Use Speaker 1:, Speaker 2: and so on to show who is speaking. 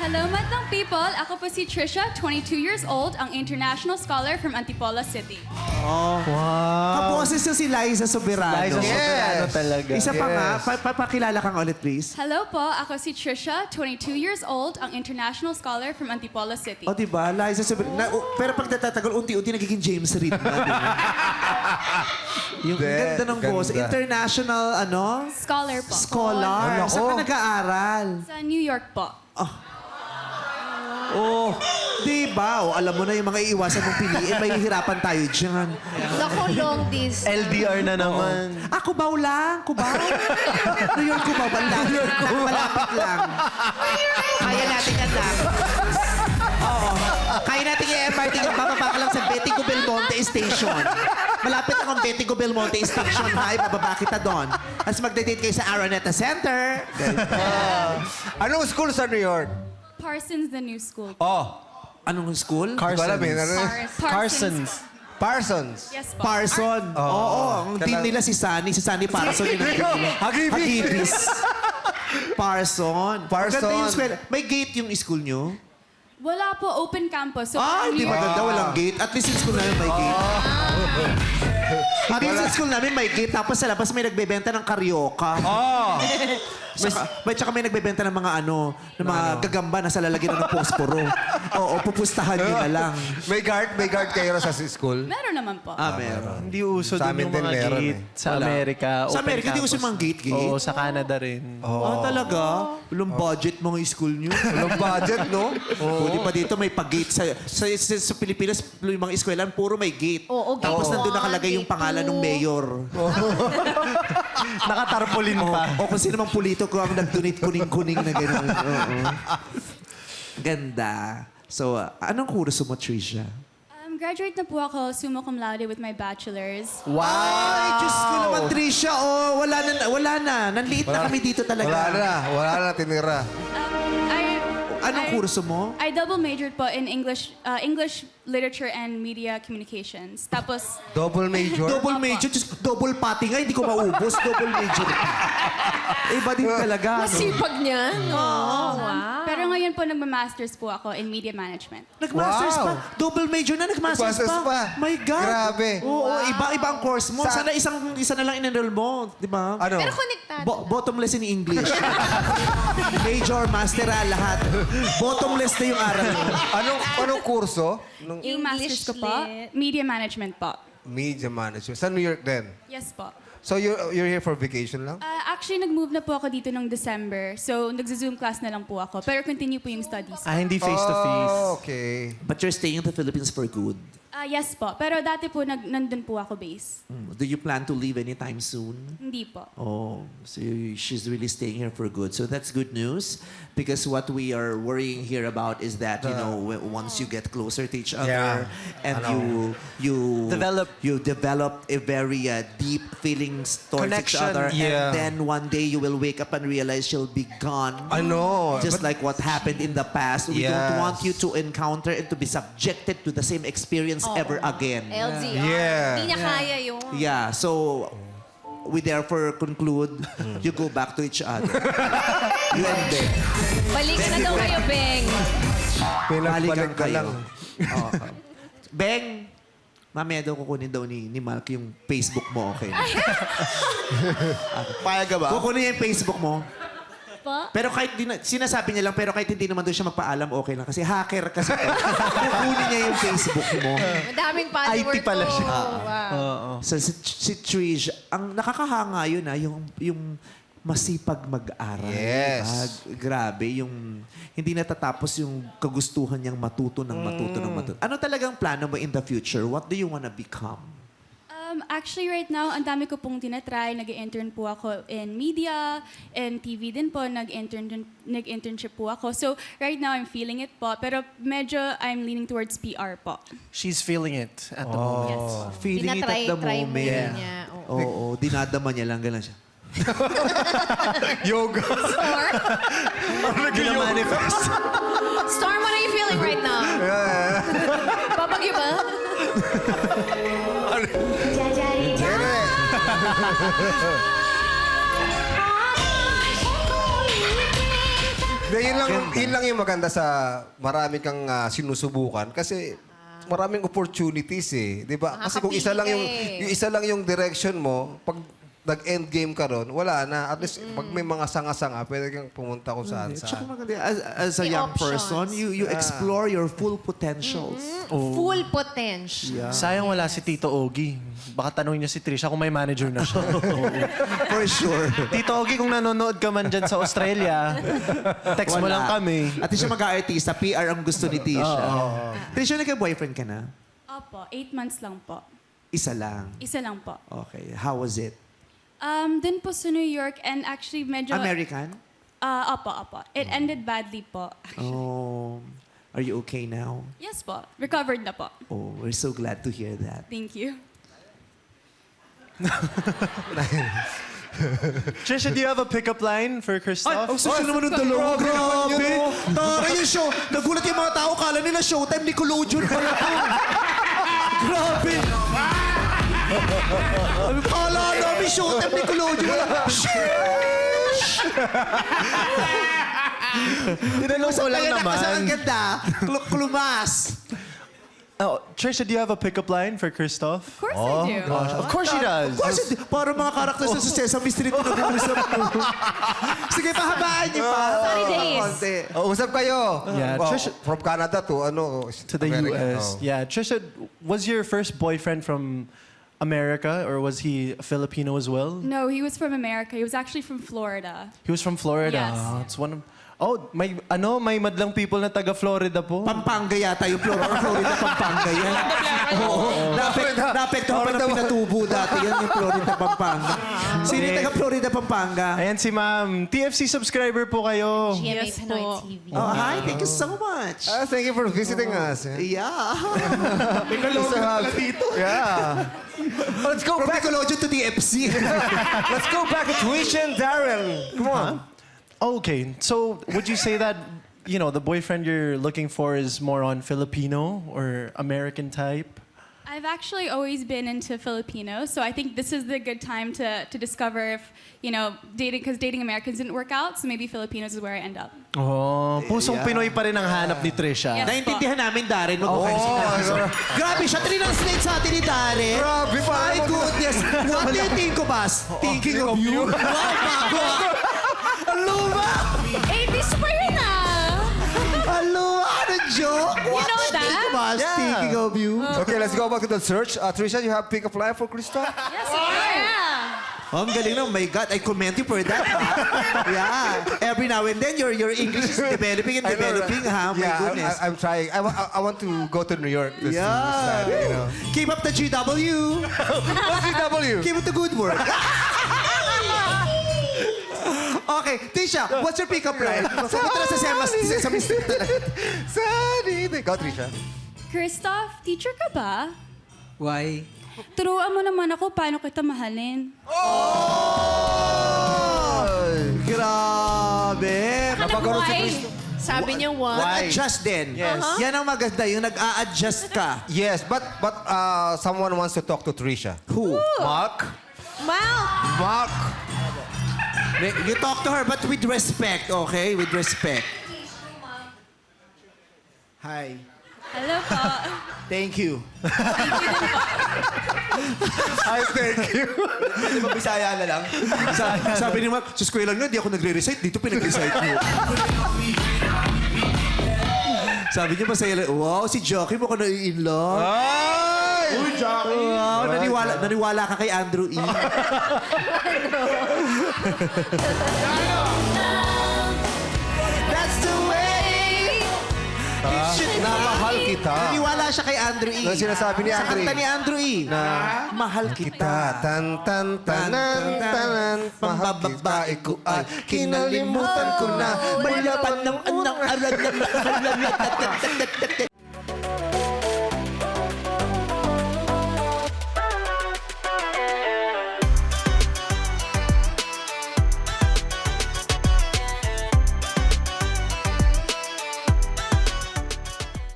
Speaker 1: Hello, madlang people. Ako po si Trisha, 22 years old, ang international scholar from Antipolo City.
Speaker 2: Kaboses na si Liza Soberano.
Speaker 3: Liza Soberano talaga.
Speaker 2: Isa pa nga, papakilala kang ulit, please.
Speaker 1: Hello po, ako si Trisha, 22 years old, ang international scholar from Antipolo City.
Speaker 2: O, diba? Liza Soberano. Pero pag natatagal, unti-unti nagiging James Reid na. Diba? Yung ganda ng boss. International, ano?
Speaker 1: Scholar po.
Speaker 2: Scholar. Saan ka nag-aaral?
Speaker 1: Sa New York po.
Speaker 2: Oh, diba? O, alam mo na yung mga iiwasan mong piliin. Mahihirapan tayo dyan.
Speaker 4: Naku, long distance.
Speaker 3: LDR na naman.
Speaker 2: Kubaw lang. Kubaw. New York, Kubaw. Malapit lang. Kaya natin yan lang. Oo. Kaya natin yung MRT yung bababa ka lang sa Betico Belmonte Station. Malapit lang ang Betico Belmonte Station. Hi, bababa kita doon. As magdadate kayo sa Araneta Center.
Speaker 5: Anong school sa New York?
Speaker 1: Parsons, the new school.
Speaker 2: Anong school?
Speaker 3: Carsons.
Speaker 5: Parsons.
Speaker 1: Yes po.
Speaker 2: Parson. Oo. Ang team nila si Sunny. Si Sunny Parson. Hagibis. Parson.
Speaker 5: Parson.
Speaker 2: Maganda yung school. May gate yung school nyo?
Speaker 1: Wala po, open campus. So,
Speaker 2: Hindi maganda. Walang gate. At least yung school namin may gate. At least yung school namin may gate. Tapos sa labas may nagbebenta ng karyoka. Tsaka may nagbebenta ng mga ng mga gagamba na sa lalagyan ng posporo. Oo, pupustahan nyo na lang.
Speaker 5: May guard kayo sa school?
Speaker 1: Meron naman po.
Speaker 2: Meron.
Speaker 3: Hindi uso
Speaker 5: Sa
Speaker 3: din
Speaker 5: amin
Speaker 3: yung mga
Speaker 5: din meron
Speaker 3: gate sa Amerika.
Speaker 2: Sa
Speaker 3: open
Speaker 2: Amerika, hindi
Speaker 3: campus.
Speaker 2: uso yung mga gate.
Speaker 3: Oo, sa Canada rin.
Speaker 2: Talaga? Walang budget mga school nyo.
Speaker 5: Walang budget, no?
Speaker 2: Buti pa dito may pag-gate. Sa Pilipinas, yung mga eskwelahan, puro may gate.
Speaker 4: Oo, gate
Speaker 2: Tapos nandun
Speaker 4: one,
Speaker 2: nakalagay yung
Speaker 4: gate
Speaker 2: pangalan
Speaker 4: two.
Speaker 2: ng mayor.
Speaker 3: Nakatarpaulin pa.
Speaker 2: O kung sino mang pulito ko ang nag-donate kuning-kuning na gano'n. Oo. Ganda. So, anong kurso mo, Trisha?
Speaker 1: Graduate na po ako, summa cum laude with my bachelor's.
Speaker 2: Ay, Diyos ko naman, Trisha. Oh, wala na. Nanliit na kami dito talaga.
Speaker 5: Wala na tinira.
Speaker 2: Anong kurso mo?
Speaker 1: I double majored po in English literature and media communications. Tapos,
Speaker 5: Double major?
Speaker 2: Double major. Diyos, double pati nga, hindi ko maubos. Double major. Iba din talaga.
Speaker 4: Masipag niya. Wow.
Speaker 1: pero ngayon po nagma-masters po ako in media management.
Speaker 2: Nag-masters
Speaker 5: Wow.
Speaker 2: pa. Double major na, nag-masters
Speaker 5: Nag-masters pa.
Speaker 2: My God.
Speaker 5: Grabe.
Speaker 2: Oo, iba ang course mo. Sana isa na lang in-enroll mo. Di ba?
Speaker 5: Ano?
Speaker 4: Pero konektado.
Speaker 2: Bottomless in English. Major, master, lahat. Bottomless na yung aral mo.
Speaker 5: Anong kurso?
Speaker 1: Yung masters ko po,
Speaker 4: lit.
Speaker 1: media management po.
Speaker 5: Media management. Sa New York din?
Speaker 1: Yes po.
Speaker 5: So you're here for vacation lang?
Speaker 1: Actually, nag-move na po ako dito nung December. So, nag-Zoom class na lang po ako. Pero continue po yung studies.
Speaker 3: Hindi face-to-face.
Speaker 5: Oh, okay.
Speaker 2: But you're staying in the Philippines for good.
Speaker 1: Yes po. Pero dati po, nandun po ako base.
Speaker 2: Do you plan to leave anytime soon?
Speaker 1: Hindi po.
Speaker 2: Oh, so she's really staying here for good. So that's good news because what we are worrying here about is that, you know, once you get closer to each other and you develop a very deep feelings towards each
Speaker 3: Connection.
Speaker 2: other
Speaker 5: Yeah.
Speaker 2: and then one day you will wake up and realize she'll be gone.
Speaker 5: I know.
Speaker 2: Just like what happened in the past. We don't
Speaker 5: Yes.
Speaker 2: want you to encounter and to be subjected to the same experience ever again.
Speaker 4: LDR.
Speaker 5: Yeah.
Speaker 4: Hindi niya kaya yun.
Speaker 2: Yeah, so we therefore conclude you go back to each other. You and them.
Speaker 4: Balik na daw kayo, Beng.
Speaker 2: Balikan
Speaker 5: ka lang.
Speaker 2: Oo. Beng, mamaya daw kukunin daw ni Malk yung Facebook mo, okay?
Speaker 3: Payag ka ba?
Speaker 2: Kukunin niya yung Facebook mo.
Speaker 1: Po?
Speaker 2: Pero kahit sinasabi niya lang, pero kahit hindi naman doon siya magpaalam, okay lang. Kasi hacker kasi. Kukunin niya yung Facebook mo.
Speaker 4: Madaming follower
Speaker 3: IT pala siya.
Speaker 4: Wow.
Speaker 2: So si Trish, ang nakakahanga yun yung masipag mag-aral.
Speaker 5: Yes.
Speaker 2: Grabe, yung hindi natatapos yung kagustuhan niyang matuto ng matuto ng matuto. Ano talagang plano mo in the future? What do you wanna become?
Speaker 1: Actually, right now, ang dami ko pong tinatry. Nag-intern po ako in media, and TV din po. Nag-internship po ako. So, right now, I'm feeling it po. Pero medyo I'm leaning towards PR po.
Speaker 3: She's feeling it at the moment.
Speaker 1: Yes.
Speaker 2: Feeling it at the
Speaker 4: Tinatry
Speaker 2: moment.
Speaker 4: muna niya. Oo.
Speaker 2: Oo, dinadama niya lang, gano'n siya.
Speaker 5: Yoga.
Speaker 3: Gina-manifest.
Speaker 4: Storm, what are you feeling right now? Babagyo ba?
Speaker 5: Yun lang yung maganda sa marami kang sinusubukan kasi maraming opportunities eh, 'di ba? Kasi kung isa lang yung isa lang yung direction mo, pag nag-end game ka ron, wala na. At least pag may mga sanga-sanga, pwede kang pumunta kung saan
Speaker 2: Tsaka
Speaker 5: saan.
Speaker 2: maganda, as a
Speaker 4: May
Speaker 2: young
Speaker 4: options.
Speaker 2: person, you explore your full potentials.
Speaker 4: Full potential.
Speaker 3: Sayang wala si Tito Ogie. Baka tanongin niyo si Trisha kung may manager na siya.
Speaker 2: For sure.
Speaker 3: Tito Ogie, kung nanonood ka man dyan sa Australia, text mo lang kami.
Speaker 2: At siya mag-aartista, PR ang gusto ni Tisha. Tisha, nagka-boyfriend ka na?
Speaker 1: Opo, 8 months lang po.
Speaker 2: Isa lang.
Speaker 1: Isa lang po.
Speaker 2: Okay. How was it?
Speaker 1: Dun po sa New York and actually medyo...
Speaker 2: American?
Speaker 1: Opo. It ended badly po.
Speaker 2: Oh. Are you okay now?
Speaker 1: Yes po. Recovered na po.
Speaker 2: Oh, we're so glad to hear that.
Speaker 1: Thank you.
Speaker 3: Trisha, do you have a pickup line for Christoph?
Speaker 2: Ang social naman ng dalawa. Grabe. Tara yung show. Nagulat yung mga tao. Kala nila showtime, Nickelodeon pa yun. Grabe. Kala namin showtime, Nickelodeon. Wala.
Speaker 3: Tinanong ko lang naman.
Speaker 2: Ang ganda. Klumas.
Speaker 3: Oh, Trisha, do you have a pickup line for Christoph?
Speaker 1: Of course I do.
Speaker 3: Of course she does.
Speaker 2: Of course, para mga characters sa Sesame Street na nag-uusap mo. Sige, pahabaan niyo pa.
Speaker 4: Sunny days.
Speaker 2: Konti.
Speaker 5: Usap kayo.
Speaker 3: Yeah,
Speaker 5: Well,
Speaker 3: Trisha-
Speaker 5: from Canada to
Speaker 3: To the
Speaker 5: America.
Speaker 3: US.
Speaker 5: Oh.
Speaker 3: Yeah, Trisha, was your first boyfriend from America or was he Filipino as well?
Speaker 1: No, he was from America. He was actually from Florida.
Speaker 3: He was from Florida.
Speaker 1: Yes.
Speaker 3: It's one of... Oh, may madlang people na taga Florida po.
Speaker 2: Pampanga yata yung Florida, Pampanga yan. Oo. Naapektuhan pa ng pinatubo dati yan, yung Florida, Pampanga. Sino yung taga Florida, Pampanga?
Speaker 3: Ayan si ma'am. TFC subscriber po kayo.
Speaker 4: GMA
Speaker 1: Yes
Speaker 4: Pinoy
Speaker 1: po.
Speaker 4: TV.
Speaker 2: Oh, hi, thank you so much.
Speaker 5: Thank you for visiting us.
Speaker 2: Yeah.
Speaker 5: Yeah. Let's go
Speaker 2: From
Speaker 5: back.
Speaker 2: Nickelodeon to DFC.
Speaker 5: Let's go back to Trisha and Darren. Come on.
Speaker 3: Okay, so would you say that, you know, the boyfriend you're looking for is more on Filipino or American type?
Speaker 1: I've actually always been into Filipinos, so I think this is the good time to discover if, you know, because dating Americans didn't work out, so maybe Filipinos is where I end up.
Speaker 3: Oh, pusong Pinoy pa rin ang hanap ni Trisha.
Speaker 1: Yes.
Speaker 2: Naintindihan namin, Darren. Grabe siya. Trinanslate sa atin ni Darren.
Speaker 5: Grabe,
Speaker 2: My
Speaker 5: parang-
Speaker 2: goodness. What do you think of us? Thinking of you? Wow, bago. Ang luma.
Speaker 4: 80s pa yun
Speaker 2: Ang luma. Ano joke? What
Speaker 4: know
Speaker 2: do you think
Speaker 4: that?
Speaker 2: of us? Thinking of you?
Speaker 5: Okay, let's go back to the search. Trisha, you have pick up line for Christoph?
Speaker 1: Yes, of course.
Speaker 4: Yeah.
Speaker 2: Oh, ang galing na. Oh my God, I commend you for that. Yeah. Every now and then, your English is developing and developing, ha? My
Speaker 5: Yeah,
Speaker 2: goodness.
Speaker 5: I'm trying. I want to go to New York. This
Speaker 2: Yeah.
Speaker 5: Saturday, you know.
Speaker 2: Keep up the GW.
Speaker 5: What's CW?
Speaker 2: Keep up the good work. Okay, Tisha, what's your pick-up line? Pupunta na sa Sesame Street talaga.
Speaker 5: Sunny. Go, Trisha.
Speaker 1: Christoph, teacher ka ba?
Speaker 6: Why?
Speaker 1: Turuan mo naman ako paano kita mahalin.
Speaker 2: Grabe.
Speaker 5: Napagkaroon si
Speaker 4: Why?
Speaker 5: Christoph.
Speaker 4: Sabi niya why?
Speaker 2: Nag-adjust din.
Speaker 3: Yes.
Speaker 2: Yan ang maganda, yung nag-a-adjust ka.
Speaker 5: Yes, but someone wants to talk to Trisha.
Speaker 2: Who?
Speaker 5: Mark?
Speaker 4: Well,
Speaker 5: Mark?
Speaker 2: You talk to her, but with respect, okay? With respect. Hi.
Speaker 1: Hello po.
Speaker 2: Thank you.
Speaker 5: I thank you.
Speaker 2: Di ba Bisaya na lang? Sabi ni Mark, sa eskwela nga, di ako nagre-recite. Dito pinag-recite mo. Sabi niya masaya lang, wow, si Jockey mo ko na-in-love.
Speaker 5: Ay!
Speaker 2: Uy, Jockey! Wow, naniwala ka kay Andrew E. That's the way.
Speaker 5: Namahal kita.
Speaker 2: Naniwala siya kay Andrew E.
Speaker 5: Ano sinasabi ni Andrew E?
Speaker 2: Sa kanta ni Andrew E. Na, mahal kita.
Speaker 5: Tan tan tanan tanan mahal kita ko ay kinalimutan ko na
Speaker 2: Wala pa ng anak aral